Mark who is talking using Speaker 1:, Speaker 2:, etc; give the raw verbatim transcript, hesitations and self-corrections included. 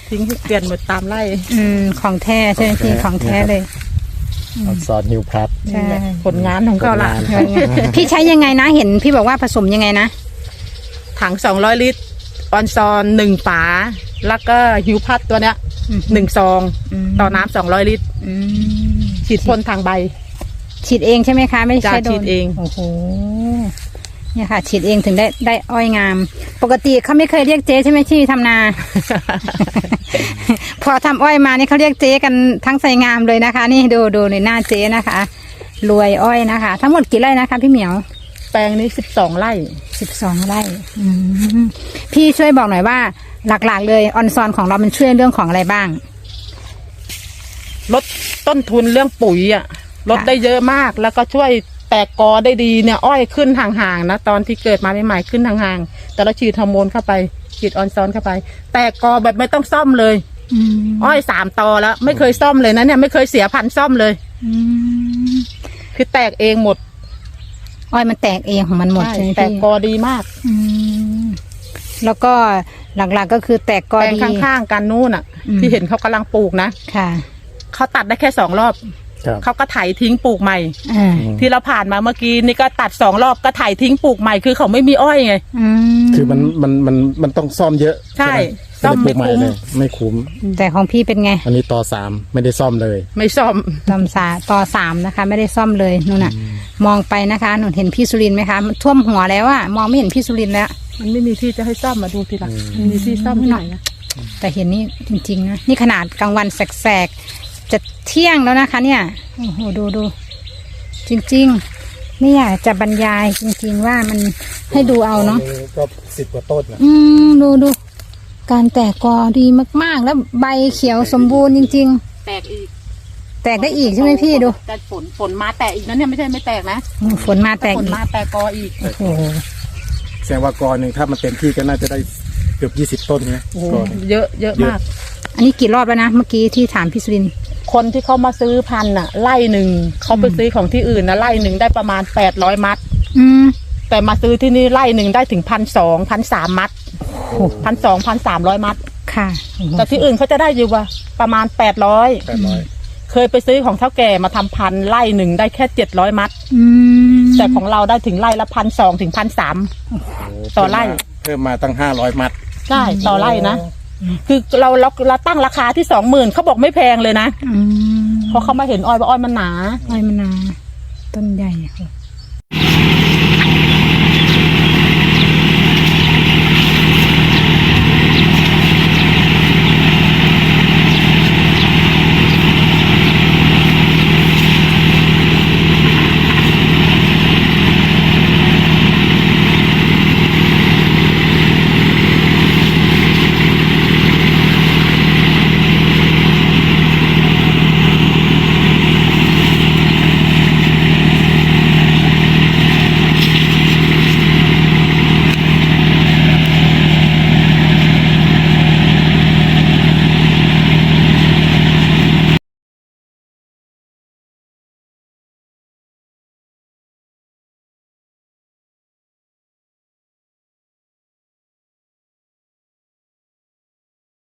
Speaker 1: ทิ้งเปลี่ยนหมดตามไร่
Speaker 2: อืมของแท้ใช่ไหมพี่ของแท้เลย
Speaker 3: ออนซอนฮิวพลัส
Speaker 2: ใช่
Speaker 1: ผลงานของเขาละ
Speaker 2: พี่ใช้ยังไงนะเห็นพี่บอกว่าผสมยังไงนะ
Speaker 1: ถังสองร้อยลิตรออนซอนหนึ่งฝาแล้วก็ฮิวพัดตัวเนี้ยหนึ่งซองต่อน้ำสองร้อยลิตรฉีดพ่นทางใบ
Speaker 2: ฉีดเองใช่ไหมคะไม่ใช่โดน
Speaker 1: ฉีดเอง
Speaker 2: โอ้โหเนี่ยค่ะฉีดเองถึงได้ได้อ้อยงามปกติเขาไม่เคยเรียกเจ๊ใช่ไหมที่ทำนา พอทำอ้อยมานี่เขาเรียกเจ๊กันทั้งไซงามเลยนะคะนี่ดูดูในหน้าเจ๊นะคะรวยอ้อยนะคะทั้งหมดกี่ไร่นะคะพี่เหมียว
Speaker 1: แปลงนี้สิบสองไร่
Speaker 2: สิบสองไร่พี่ช่วยบอกหน่อยว่าหลักๆเลยออนซอนของเรามันช่วยเรื่องของอะไรบ้าง
Speaker 1: ลดต้นทุนเรื่องปุ๋ยอ่ะลดได้เยอะมากแล้วก็ช่วยแตกกอได้ดีเนี่ยอ้อยขึ้นห่างๆนะตอนที่เกิดมาใหม่ๆขึ้นห่างๆแต่เราฉีดฮอร์โมนเข้าไปฉีดออนซอนเข้าไปแตกกอแบบไม่ต้องซ่อมเลยอ้อยสามตอแล้วไม่เคยซ่อมเลยนะเนี่ยไม่เคยเสียพันซ่อมเลยคือแตกเองหมด
Speaker 2: อ้อยมันแตกเองของมันหมดใช่ไหมพี่
Speaker 1: แตกกอดีมาก
Speaker 2: แล้วก็หลักๆก็คือแตกกอดี
Speaker 1: ข้างๆกันนู่นอ่ะที่เห็นเขากำลังปลูกนะ
Speaker 2: ค่ะ
Speaker 1: เขาตัดได้แค่สองรอบเขาก็ไถทิ้งปลูกใหม่ที่เราผ่านมาเมื่อกี้นี่ก็ตัดสองรอบก็ไถทิ้งปลูกใหม่คือเขาไม่มีอ้อยไง
Speaker 3: คือมันมันมันมันต้องซ่อมเยอะ
Speaker 1: ใช่ซ่อมไม่คุ้ม
Speaker 3: ไม่คุ้ม
Speaker 2: แต่ของพี่เป็นไง
Speaker 3: อันนี้ต่อสามไม่ได้ซ่อมเลย
Speaker 1: ไม่ซ่อม
Speaker 2: ต่อสาต่อสามนะคะไม่ได้ซ่อมเลยนู่นน่ะมองไปนะคะหนูเห็นพี่สุรินทร์ไหมคะท่วมหัวแล้วอะมองไม่เห็นพี่สุรินทร์แล้ว
Speaker 1: มันไม่มีที่จะให้ซ่อมมาดูทีหลังมันมีที่ซ่อมหน่อยนะ
Speaker 2: แต่เห็นนี่จริงๆนะนี่ขนาดกลางวันแสกๆจะเที่ยงแล้วนะคะเนี่ยโอ้โหดูดูจริงๆไม่อยากจะบรรยายจริงๆว่ามันให้ดูเอาเนาะ
Speaker 3: ก็สิบกว่าต้นนะ
Speaker 2: อืมดูดูการแตกกอดีมากๆแล้วใบเขียวสมบูรณ์จริง
Speaker 1: ๆแตกอีก
Speaker 2: แตกได้อีกใช่ไหมพี่ดู
Speaker 1: แต่ฝนฝนมาแตกอีกนะเนี่ยไม่ใช่ไม่แตกนะ
Speaker 2: ฝนมาแตก
Speaker 1: ฝนมาแตกกออีก
Speaker 2: โอ้โห
Speaker 3: แสดงว่ากอหนึ่งถ้ามันเต็มที่ก็น่าจะได้เกือบยี่สิบต้นไง
Speaker 1: เยอะเยอะมาก
Speaker 2: อันนี้กี่รอบแล้วนะเมื่อกี้ที่ถามพี่สุรินทร์
Speaker 1: คนที่เขามาซื้อพันธุ์น่ะไล่หนึ่งเขาไปซื้อของที่อื่นนะไล่หนึ่งได้ประมาณแปดร้อยมัด
Speaker 2: อืม
Speaker 1: แต่มาซื้อที่นี่ไล่หนึ่งได้ถึงพันสองพันสามมัดพันสองพันสามร้อยมัด
Speaker 2: ค่ะ
Speaker 1: แต่ที่อื่นเขาจะได้อยู่ว่าประมาณแปดร้อยเคยไปซื้อของเท่าแก่มาทำพันไล่หนึ่งได้แค่เจ็ดร้อยมัดแต่ของเราได้ถึงไล่ละพันสองถึงพันสามต่อไล่
Speaker 3: เพิ่มมาตั้งห้าร้อยมัด
Speaker 1: ใช่ต่อไล่นะคือเราเราเราตั้งราคาที่สองหมื่นเขาบอกไม่แพงเลยนะเพราะเขามาเห็นอ้อยว่าอ้อยมันหนา
Speaker 2: อ้อยมันหนาต้นใหญ่